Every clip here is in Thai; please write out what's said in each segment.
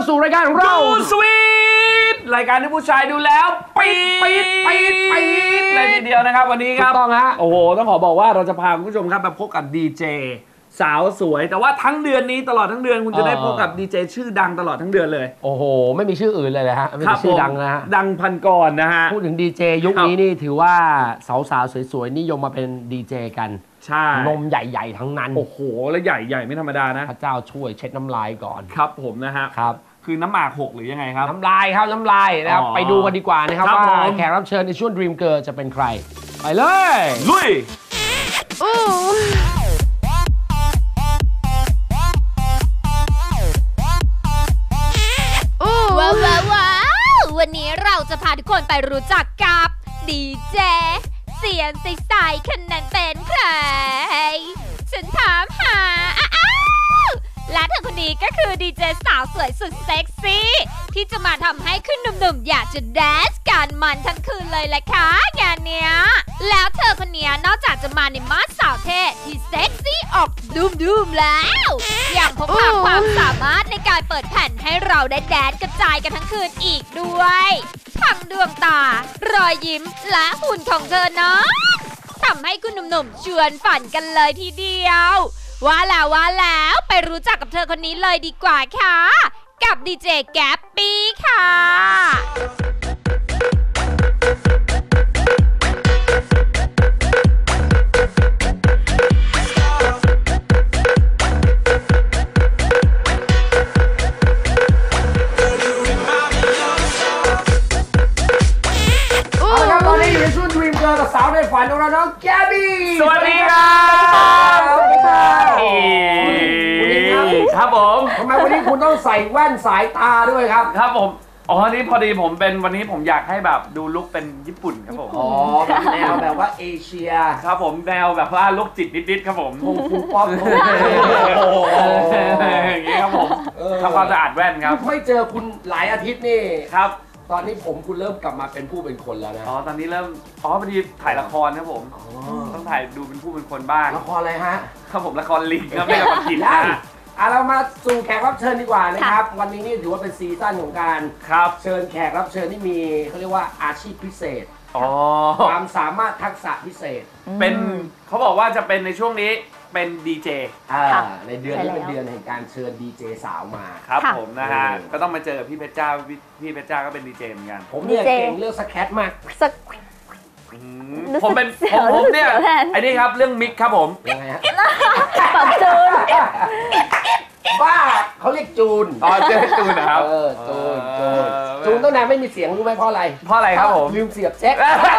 สู่รายการของเราดูสวีทรายการที่ผู้ชายดูแล้วปี๊ดเลยทีเดียวนะครับวันนี้ครับต้องฮะโอ้โหต้องขอบอกว่าเราจะพาคุณผู้ชมครับมาพบกับดีเจสาวสวยแต่ว่าทั้งเดือนนี้ตลอดทั้งเดือนคุณจะได้พบกับดีเจชื่อดังตลอดทั้งเดือนเลยโอ้โหไม่มีชื่ออื่นเลยนะฮะไม่มีชื่อดังนะฮะดังพันกรนะฮะพูดถึงดีเจยุคนี้นี่ถือว่าสาวๆสวยๆนิยมมาเป็นดีเจกันใช่นมใหญ่ๆทั้งนั้นโอ้โหแล้วใหญ่ไม่ธรรมดานะพระเจ้าช่วยเช็ดน้ำลายก่อนครับผมนะฮะครับคือน้ำหมากหกหรือยังไงครับน้ำลายครับน้ำลายนะครับไปดูกันดีกว่านะครับว่าแขกรับเชิญในช่วง Dream Girl จะเป็นใครไปเลยลุยว้าววันนี้เราจะพาทุกคนไปรู้จักกับดีเจเสียงใสๆคนนั้นเป็นใครฉันถามหาและเธอคนนี้ก็คือดีเจสาวสวยสุดเซ็กซี่ที่จะมาทำให้ขึ้นหนุ่มๆอยากจะแดนซ์กันมันทั้งคืนเลยแหละค่ะงานเนี้ยแล้วเธอคนนี้นอกจากจะมาในมาสสาวเท่ที่เซ็กซี่ออกดูมแล้วยังพกพาความสามารถในการเปิดแผ่นให้เราได้แดนซ์กระจายกันทั้งคืนอีกด้วยทั้งดวงตารอยยิ้มและหุ่นของเธอนั้นทำให้คุณหนุ่มๆชวนฝันกันเลยทีเดียวว่าแล้วไปรู้จักกับเธอคนนี้เลยดีกว่าค่ะกับดีเจแก๊ปปี้ค่ะเอาละครับตอนนี้อยู่ในช่วง Dream Girl กับสาวในฝันของเราน้องแก๊ปปี้สวัสดีครับสวัสดีครับครับผมทำไมวันนี้คุณต้องใส่แว่นสายตาด้วยครับครับผมอ๋อนี่พอดีผมเป็นวันนี้ผมอยากให้แบบดูลุคเป็นญี่ปุ่นครับผมอ๋อแนวแบบว่าเอเชียครับผมแนวแบบว่าลุคจิตนิดๆครับผมคุณป๊อปอย่างงี้ครับผมทำความสะอาดแว่นครับไม่เจอคุณหลายอาทิตย์นี่ครับตอนนี้คุณเริ่มกลับมาเป็นผู้เป็นคนแล้วนะอ๋อตอนนี้เริ่มพอดีถ่ายละครครับผมต้องถ่ายดูเป็นผู้เป็นคนบ้างละครอะไรฮะครับผมละครลิงครับไม่ละครกินนะเรามาสู่แขกรับเชิญดีกว่านะครับวันนี้นี่ถือว่าเป็นซีซั่นของการเชิญแขกรับเชิญที่มีเขาเรียกว่าอาชีพพิเศษความสามารถทักษะพิเศษเป็นเขาบอกว่าจะเป็นในช่วงนี้เป็นดีเจในเดือนนี้เป็นเดือนแห่งการเชิญดีเจสาวมาครับผมนะฮะก็ต้องมาเจอพี่เพชรจ้าพี่เพชรจ้าก็เป็นดีเจเหมือนกันผมเนี่ยเก่งเรื่องสแคทมากผมเป็นผมเนี่ยไอ้นี่ครับเรื่องมิกครับผมยังไงฮะปรับจูนบ้าเขาเรียกจูนเรียกจูนนะครับจูนตั้งนานไม่มีเสียงรู้ไหมเพราะอะไรครับผมลืมเสียบแจ็ค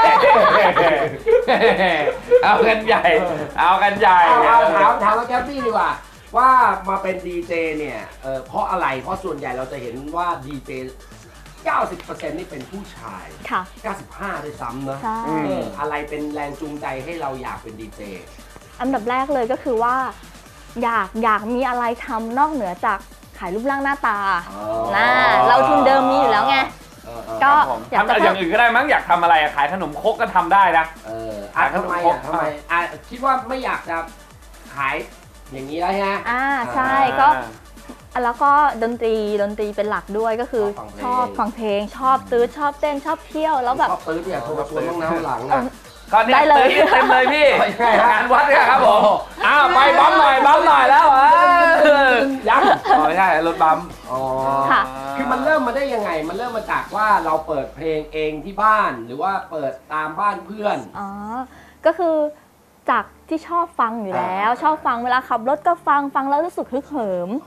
เอากันใหญ่ถามว่าแก๊ปปี้ดีกว่าว่ามาเป็นดีเจเนี่ยเพราะอะไรเพราะส่วนใหญ่เราจะเห็นว่าดีเจ90% นี่เป็นผู้ชายค่ะ 95ด้วยซ้ำนะอะไรเป็นแรงจูงใจให้เราอยากเป็นดีเจอันดับแรกเลยก็คือว่าอยากมีอะไรทำนอกเหนือจากขายรูปร่างหน้าตาเราทุนเดิมมีอยู่แล้วไงก็อยากทำอย่างอื่นก็ได้มั้งอยากทำอะไรขายขนมครกก็ทำได้นะขายขนมครกทำไมคิดว่าไม่อยากจะขายอย่างนี้แล้วฮะใช่ก็แล้วก็ดนตรีเป็นหลักด้วยก็คือชอบฟังเพลงชอบตื้อชอบเต้นชอบเที่ยวแล้วแบบชอบตื้อเนี่ยโทรมาชวนต้องน้ำหลังนะก็ได้เลยเต็มเลยพี่งานวัดเนี่ยครับผมไปบัมหน่อยแล้วยังไม่ใช่รถบัมคือมันเริ่มมาได้ยังไงมันเริ่มมาจากว่าเราเปิดเพลงเองที่บ้านหรือว่าเปิดตามบ้านเพื่อนก็คือจากที่ชอบฟังอยู่แล้วชอบฟังเวลาขับรถก็ฟังแล้วรู้สึกฮึกเหิม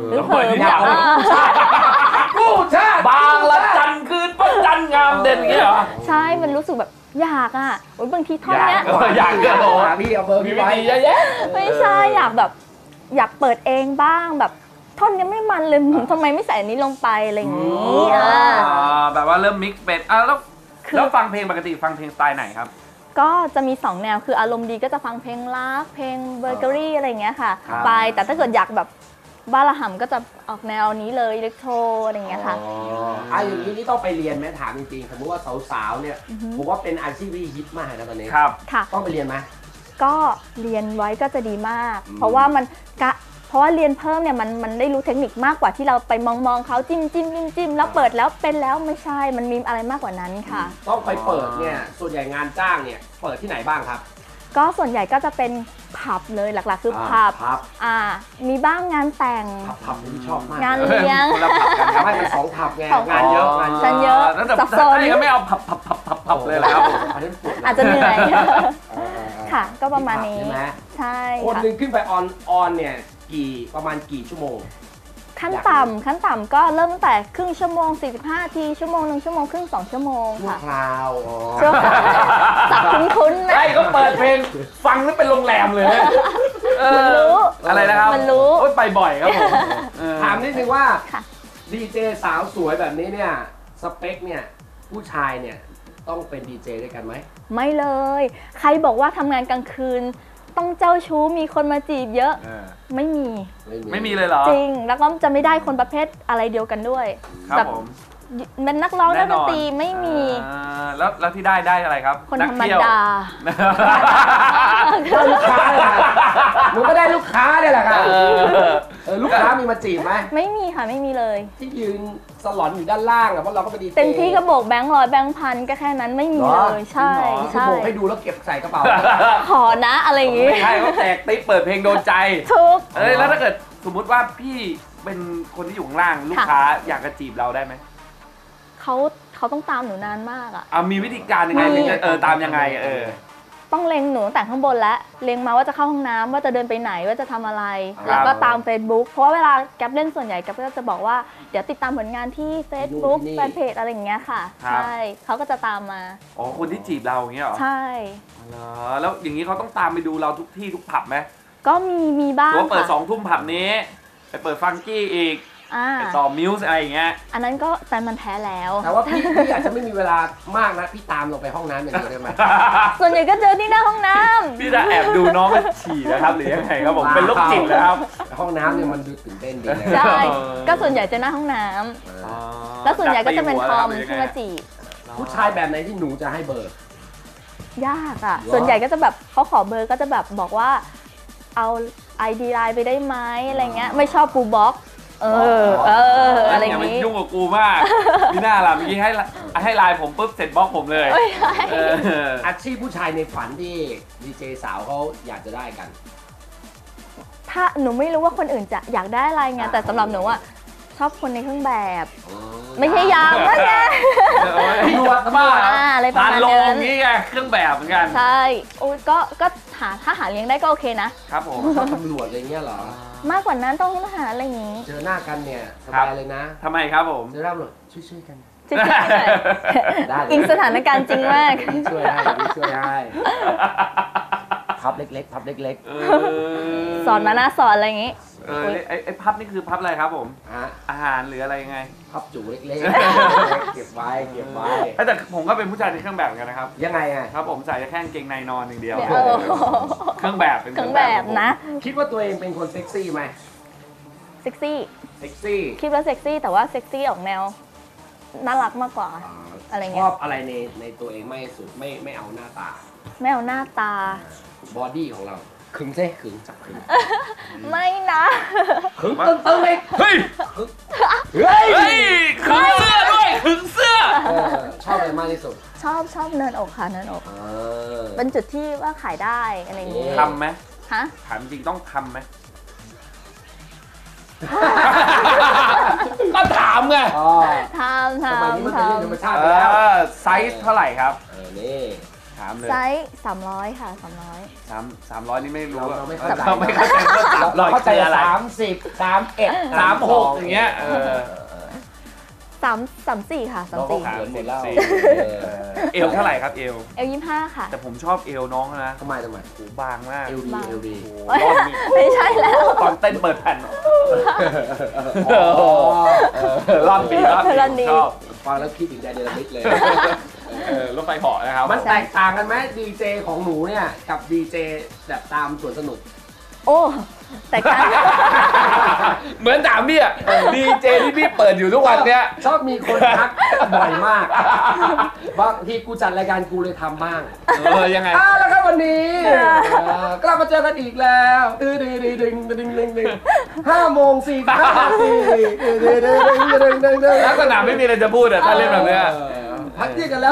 กู้ชาติบางละจันคืนประจันงามเด่นอย่างเงี้ยเหรอใช่มันรู้สึกแบบอยากบางทีท่อนเนี้ยอยากก็โหพี่เอาเบอร์พี่ไว้ไม่ใช่อยากเปิดเองบ้างแบบท่อนนี้ไม่มันเลยทำไมไม่ใส่อันนี้ลงไปอะไรอย่างนี้แบบว่าเริ่มมิกซ์เป็นแล้วฟังเพลงปกติฟังเพลงสไตล์ไหนครับก็จะมี2แนวคืออารมณ์ดีก็จะฟังเพลงรักเพลงเบเกอรี่อะไรอย่างเงี้ยค่ะไปแต่ถ้าเกิดอยากแบบบ้าระห่ำก็จะออกแนวนี้เลยอิเล็กโทรอะไรอย่างเงี้ยค่ะอย่างนี้นี่ต้องไปเรียนไหมถามจริงๆสมมติว่าสาวๆเนี่ยผมว่าเป็นอาชีพที่ฮิตมากนะตอนนี้ครับค่ะต้องไปเรียนไหมก็เรียนไว้ก็จะดีมากเพราะว่ามันเพราะว่าเรียนเพิ่มเนี่ยมันได้รู้เทคนิคมากกว่าที่เราไปมองเขาจิ้มแล้วเปิดแล้วเป็นแล้วไม่ใช่มันมีอะไรมากกว่านั้นค่ะต้องไปเปิดเนี่ยส่วนใหญ่งานจ้างเนี่ยเปิดที่ไหนบ้างครับก็ส่วนใหญ่ก็จะเป็นผับเลยหลักๆคือผับผับมีบ้างงานแต่งผับที่ชอบมากงานเลี้ยงคนละผับกันครับไม่เป็น2ผับไงสองงานเยอะงานฉันเยอะแล้วแต่สับสนถ้าก็ไม่เอาผับเลยแหละครับผมอันนี้ปวดอาจจะเหนื่อยๆค่ะ ก็ประมาณนี้ใช่ไหมใช่คนค่ะหนึ่งขึ้นไปออนเนี่ยประมาณกี่ชั่วโมงขั้นต่ำก็เริ่มตั้งแต่ครึ่งชั่วโมง45นาทีชั่วโมง1ชั่วโมงครึ่ง2ชั่วโมงชั่วค่ะคราวชั่วคราวสับคุ้นๆนะไอ้ก็เปิดเพลงฟังแล้วเป็นโรงแรมเลยมันรู้อะไรนะครับมันรู้โอ๊ยไปบ่อยครับผมถามนิดนึงว่าค่ะดีเจสาวสวยแบบนี้เนี่ยสเปคเนี่ยผู้ชายเนี่ยต้องเป็นดีเจด้วยกันไหมไม่เลย ใครบอกว่าทำงานกลางคืน ต้องเจ้าชู้มีคนมาจีบเยอะ ไม่มีไม่มีเลยเหรอจริง แล้วก็จะไม่ได้คนประเภทอะไรเดียวกันด้วยครับแบบผมเป็นนักร้องแน่นักนดอนนตรีไม่มีแล้วที่ได้อะไรครับคนนักธรรมเที่ยวดาได้ลูกค้าเลยค่ะหนูก็ได้ลูกค้าเนี่ยแหละค่ะลูกค้ามีมาจีบไหมไม่มีค่ะไม่มีเลยที่ยืนสลอนอยู่ด้านล่างอะเพราะเราก็เป็นดีเจเต็มที่ก็โบกแบงค์ร้อยแบงค์พันก็แค่นั้นไม่มีเลยใช่คือใช่โบกให้ดูแล้วเก็บใส่กระเป๋าขอนะอะไรอย่างงี้ไม่ใช่เขาแตกติ๊บเปิดเพลงโดนใจทุกแล้วถ้าเกิดสมมุติว่าพี่เป็นคนที่อยู่ข้างล่างลูกค้าอยากจะจีบเราได้ไหมเขาต้องตามหนูนานมากอ่ะมีวิธีการยังไงถึงจะตามยังไงต้องเล็งหนูตั้งแต่ข้างบนแล้วเล็งมาว่าจะเข้าห้องน้ำว่าจะเดินไปไหนว่าจะทำอะไรครับแล้วก็ตาม Facebook เพราะว่าเวลาแก๊ปเล่นส่วนใหญ่แก๊ปก็จะบอกว่าเดี๋ยวติดตามผลงานที่ Facebook แฟนเพจอะไรอย่างเงี้ยค่ะ ใช่เขาก็จะตามมาอ๋อคนที่จีบเราอย่างเงี้ยเหรอใช่เหรอแล้วอย่างนี้เขาต้องตามไปดูเราทุกที่ทุกผับไหมก็มีบ้างหรือว่าเปิดค่ะ 2 ทุ่มผับนี้ไปเปิดฟังกี้อีกไปต่อมิวส์อะไรอย่างเงี้ยอันนั้นก็แฟนมันแท้แล้วแต่ว่าพี่อาจจะไม่มีเวลามากนะพี่ตามลงไปห้องน้ำอย่างเดียวได้ไหมส่วนใหญ่ก็เจอที่หน้าห้องน้ำพี่จะแอบดูน้องไปฉี่นะครับหรือยังไงครับผมเป็นโรคจิตนะครับห้องน้ำเนี่ยมันดูตื่นเต้นดีนะใช่ ก็ส่วนใหญ่จะหน้าห้องน้ำแล้วส่วนใหญ่ก็จะเป็นทอมที่มาจีบผู้ชายแบบไหนที่หนูจะให้เบอร์ยากอ่ะ ส่วนใหญ่ก็จะแบบเขาขอเบอร์ก็จะแบบบอกว่าเอา ID ไลน์ไปได้ไหมอะไรเงี้ยไม่ชอบปูบ็อกอะไรอย่างนี้งี้ยุ่งกับกูมากพี่หน้าล่ะเมื่อกี้ให้ไลน์ผมปุ๊บเสร็จบล็อกผมเลยไม่ใช่อาชีพผู้ชายในฝันที่ดีเจสาวเขาอยากจะได้กันถ้าหนูไม่รู้ว่าคนอื่นจะอยากได้อะไรไงแต่สำหรับหนูอ่ะชอบคนในเครื่องแบบ ไม่ใช่ยามนะไงตำรวจบ้าอะไรประผ่านมาณโรงนั้นนี้ไงเครื่องแบบเหมือนกันใช่โอ้ยก็ถ้าหาเลี้ยงได้ก็โอเคนะครับผมชอบตำรวจอะไรเงี้ยเหรอมากกว่านั้นต้องทหารอะไรอย่างงี้เจอหน้ากันเนี่ยสครับบายเลยนะทำไมครับผมเจอหน้าตำรวจช่วยกันจริงๆได้เลยอิงสถานการณ์จริงมากพี่ช่วยให้พี่ช่วยให้พับเล็กๆพับเล็กสอนมานะสอนอะไรอย่างงี้ไอ้พับนี่คือพับอะไรครับผมๆฮะอาหารหรืออะไรยังไงพับจูเล็กๆเก็บไว้เก็บไว้แต่ผมก็เป็นผู้ชายในเครื่องแบบเหมือนกันนะครับยังไงอ่ะครับผมใส่แค่กางเกงในนอนอย่างเดียวเดี๋ยวเครื่องแบบเป็นเครื่องแบบนะคิดว่าตัวเองเป็นคนเซ็กซี่ไหมเซ็กซี่เซ็กซี่คิดว่าเซ็กซี่แต่ว่าเซ็กซี่ออกแนวน่ารักมากกว่า อะไรเงี้ชยอบอะไรในตัวเองไม่สุดไม่เอาหน้าตาไม่เอาหน้าตาบอดี้ของเราขึงเซ่ขึงจับขึงไม่นะขึงตึงๆเลยเฮ้ยเฮ้ยเฮ้ยขึงเสื้อด้วยขึงเสื้อชอบอะไรมากที่สุดชอบเนินอกค่ะเนินอกเออเป็นจุดที่ว่าขายได้อะไรอย่างงี้ทำไหมฮะถามจริงต้องทำไหม ก็ถามไงอ๋อทำสมัยนี้มันเป็นเรื่องธรรมชาติเอไปแล้วอไซส์เท่าไหร่ครับนี่ถามเลยไซส์300ค่ะ300 300นี่ไม่รู้อะเราไม่เข้าใจเราไม่เข้าใจว่า300 เราเข้าใจคืออะไร 30 31 36อย่างเงี้ย 34ค่ะเราก็เขินหมดแล้วเอวเท่าไหร่ครับเอว 25ค่ะแต่ผมชอบเอวน้องนะทำไมหูบางมากเอลดีเอลดีโอ้โหรอบนี้ไม่ใช่แล้วตอนเต้นเปิดแผ่นรอบดีรอบดีชอบฟังแล้วคิดถึงใจเดลมิดเลยรถไฟเหาะนะครับมันแตกต่างกันไหมดีเจของหนูเนี่ยกับดีเจแบบตามสวนสนุกโอ้แต่การเหมือนถามพี่อะดีเจที่พี่เปิดอยู่ทุกวันเนี้ยชอบมีคนทักบ่อยมากบางทีกูจัดรายการกูเลยทำบ้างยังไงแล้วครับวันนี้กลับครับมาเจอกันอีกแล้ว5:45 ลักษณะไม่มีอะไรจะพูดอ่ะถ้าเล่นแบบเนี้ยพักเที่ยงกันแล้ว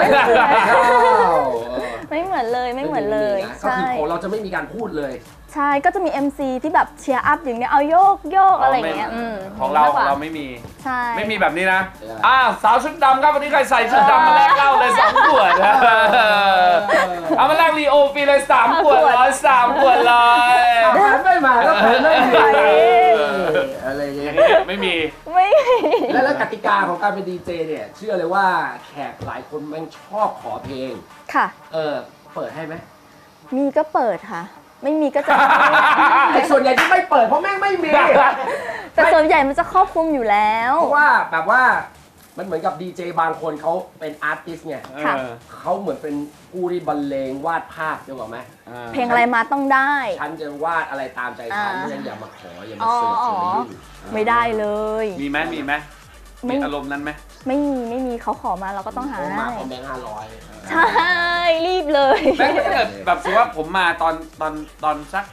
ไม่เหมือนเลยไม่เหมือนเลยก็คือของเราจะไม่มีการพูดเลยใช่ก็จะมี MC ที่แบบเชียร์อัพอย่างเนี้ยเอาโยกโยกอะไรอย่างเงี้ยของเราไม่มีใช่ไม่มีแบบนี้นะสาวชุดดำครับวันนี้ใครใส่ชุดดำมาแลกเหล้าเลย2 ขวดเอามาแลกลีโอฟรีเลย3 ขวด3 ขวดเลยแพ้ไม่มาก็แพ้ไม่มีอะไรอย่างเงี้ยไม่มีแล้วกติกาของการเป็นดีเจเนี่ยเชื่อเลยว่าแขกหลายคนแม่งชอบขอเพลงค่ะเปิดให้ไหมมีก็เปิดค่ะ ไม่มีก็จะไอ้ส่วนใหญ่ที่ไม่เปิดเพราะแม่งไม่มีแต่ส่วนใหญ่มันจะครอบคลุมอยู่แล้วเพราะว่าแบบว่ามันเหมือนกับดีเจบางคนเขาเป็นอาร์ติสต์ไงค่ะเขาเหมือนเป็นผู้ที่บรรเลงวาดภาพได้หรอไหมเพลงอะไรมาต้องได้ฉันจะวาดอะไรตามใจฉันฉันอย่ามาขออย่ามาอ๋อเสิร์ฟอย่ามายุ่งไม่ได้เลยมีไหมมีอารมณ์นั้นไหมไม่มีเขาขอมาเราก็ต้องหาเขาให้มาคอมเมนต์500 ใช่รีบเลยแล้วถ้าเกิดแบบสมมติว่าผมมาตอนสัก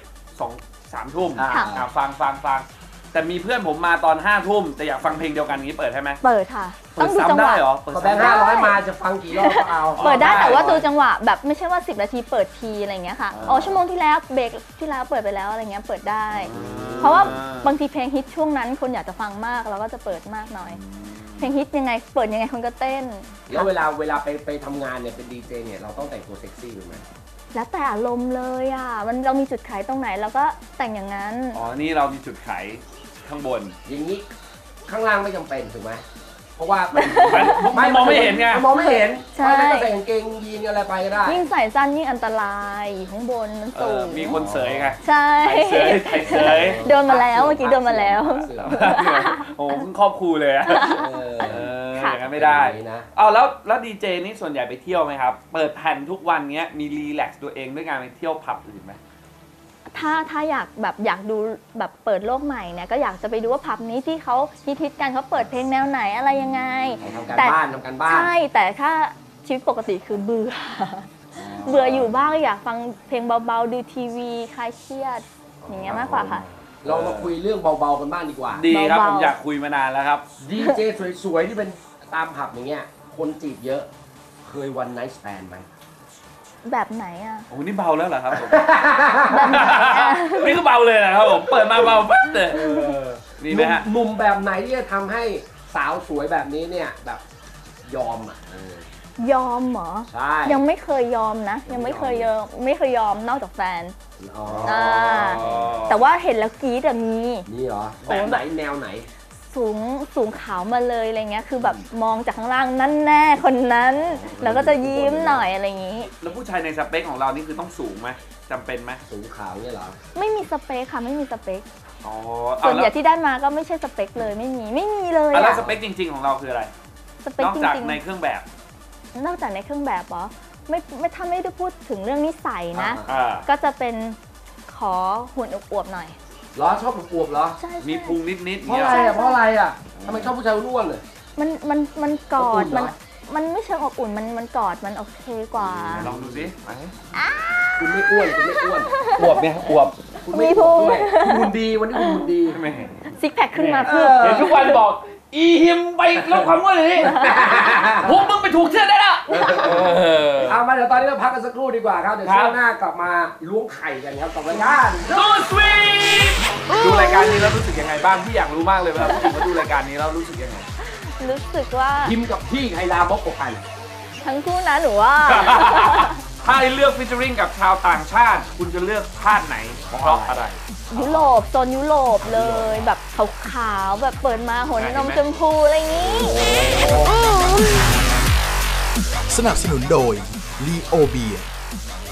2-3 ทุ่มค่ะฟังแต่มีเพื่อนผมมาตอน5 ทุ่มแต่อยากฟังเพลงเดียวกันนี้เปิดให้ไหมเปิดค่ะเปิดต้องดูจังซ้ำหได้วะเหรอเปิดพอแบงค์ซ้ำได้ 500มาจะฟังกี่รอบก็เอาเปิดได้แต่ว่าได้ดูจังหวะแบบไม่ใช่ว่า10 นาทีเปิดทีอะไรอย่างเงี้ยค่ะอ๋อชั่วโมงที่แล้วเบรกที่แล้วเปิดไปแล้วอะไรเงี้ยเปิดได้ เพราะว่าบางทีเพลงฮิตช่วงนั้นคนอยากจะฟังมากเราก็จะเปิดมากหน่อย เพลงฮิตยังไงเปิดยังไงคนก็เต้นแล้วเวลาไปทำงานเนี่ยเป็นดีเจเนี่ยเราต้องแต่งตัวเซ็กซี่ถูกไหมแล้วแต่อารมณ์เลยอ่ะมันเรามีจุดขายตรงไหนเราก็แต่งอย่างนั้นอ๋อนี่เรามีจุดขายข้างบนอย่างนี้ข้างล่างไม่จำเป็นถูกไหมเพราะว่ามันมองไม่เห็นไงมองไม่เห็นใช่ไม่ก็ใส่กางเกงยีนอะไรไปก็ได้ยิ่งใส่สั้นยิ่งอันตรายอยู่ข้างบนมันสูงมีคนเสยไงใช่ไทยเสยโดนมาแล้วเมื่อกี้โดนมาแล้วโอ้เพิ่งครอบครูเลยอะค่ะอย่างนั้นไม่ได้นะเอาแล้วดีเจนี่ส่วนใหญ่ไปเที่ยวไหมครับ เปิดแผ่นทุกวันเงี้ยมีรีแลกซ์ตัวเองด้วยการไปเที่ยวผับอื่นไหมถ้าอยากดูแบบเปิดโลกใหม่เนี่ยก็อยากจะไปดูว่าผับนี้ที่เขาฮิตกันเขาเปิดเพลงแนวไหนอะไรยังไงทำการบ้านใช่แต่ถ้าชีวิตปกติคือเบื่อเบื่ออยู่บ้างอยากฟังเพลงเบาๆดูทีวีคลายเครียดอย่างเงี้ยมากกว่าค่ะเรามาคุยเรื่องเบาๆกันบ้างดีกว่าดีครับเบาๆผมอยากคุยมานานแล้วครับดีเจสวยๆที่เป็นตามผับอย่างเงี้ยคนจีบเยอะเคยวันไนท์สแตนไหมแบบไหนอ่ะโอ้นี่เบาแล้วเหรอครับผมแบบไหนอ่ะนี่ก็เบาเลยนะครับผมเปิดมาเบาปั๊บเลยมีไหมฮะหนุ่มแบบไหนที่จะทำให้สาวสวยแบบนี้เนี่ยแบบยอมอ่ะยอมเหรอใช่ยังไม่เคยยอมนะ ยังไม่เคยยอมนอกจากแฟนอ๋อแต่ว่าเห็นแล้วกรี๊ดอะมีนี่เหรอแบบไหนแนวไหนสูงขาวมาเลยอะไรเงี้ยคือแบบมองจากข้างล่างนั่นแน่คนนั้น แล้วก็จะยิ้มหน่อยอะไรอย่างงี้แล้วผู้ชายในสเปคของเรานี่คือต้องสูงไหมจำเป็นไหมสูงขาวเนี่ยเหรอไม่มีสเปคค่ะไม่มีสเปคอ๋อส่วนใหญ่แล้วที่ได้มาก็ไม่ใช่สเปคเลยไม่มีเลยแล้วอะสเปคจริงๆของเราคืออะไรสเปคนอกจจากริงในเครื่องแบบๆนอกจากในเครื่องแบบเหรอไม่ถ้าไม่ได้พูดถึงเรื่องนิสัยนะอ่าก็จะเป็นขอหุ่นอวบๆหน่อยเหรอชอบอวบๆเหรอใช่มีพุงนิดเพเงี้ราะยอะไรอ่ะเพราะอะไรอ่ะทำไมชอบผู้ชายอ้วนเลยมันกออบอุ่ดนเหรอมันไม่เชิงอบอุ่นมันกอดมันโอเคกว่าลองดูสิไปคุณไม่อ้วนคุณไม่อ้วนอวบเนี่ยอวบคุณไม่อ้วนด้วยคุณหุ่นดีวันนี้คุณหุ่นดีไม่ซิกแพคขึ้นมาเพื่อเห็นทุกวันบอกอีหิมไปลดความอ้วนเลยนี่พวกมึงไปถูกเชื่อได้แล้วเอามาเดี๋ยวตอนนี้เราพักกันสักครู่ดีกว่าครับเดี๋ยวครับช่วงหน้ากลับมาล้วงไข่กันครับกับรายการดูสวีทดูรายการนี้แล้วรู้สึกยังไงบ้างพี่อยากรู้มากเลยเวลาผู้หญิงมาดูรายการนี้แล้วรู้สึกยังไงรู้สึกว่าพิมพ์กับพี่ใครลามกกว่ากันทั้งคู่นะหนูว่าถ้าให้เลือกฟิชเชอริงกับชาวต่างชาติ คุณจะเลือกชาติไหนเพราะอะไรยุโรปโซนยุโรปเลยแบบขาวๆแบบเปิดมาหัวนมชมพูอะไรอย่างนี้สนับสนุนโดย Leo Beer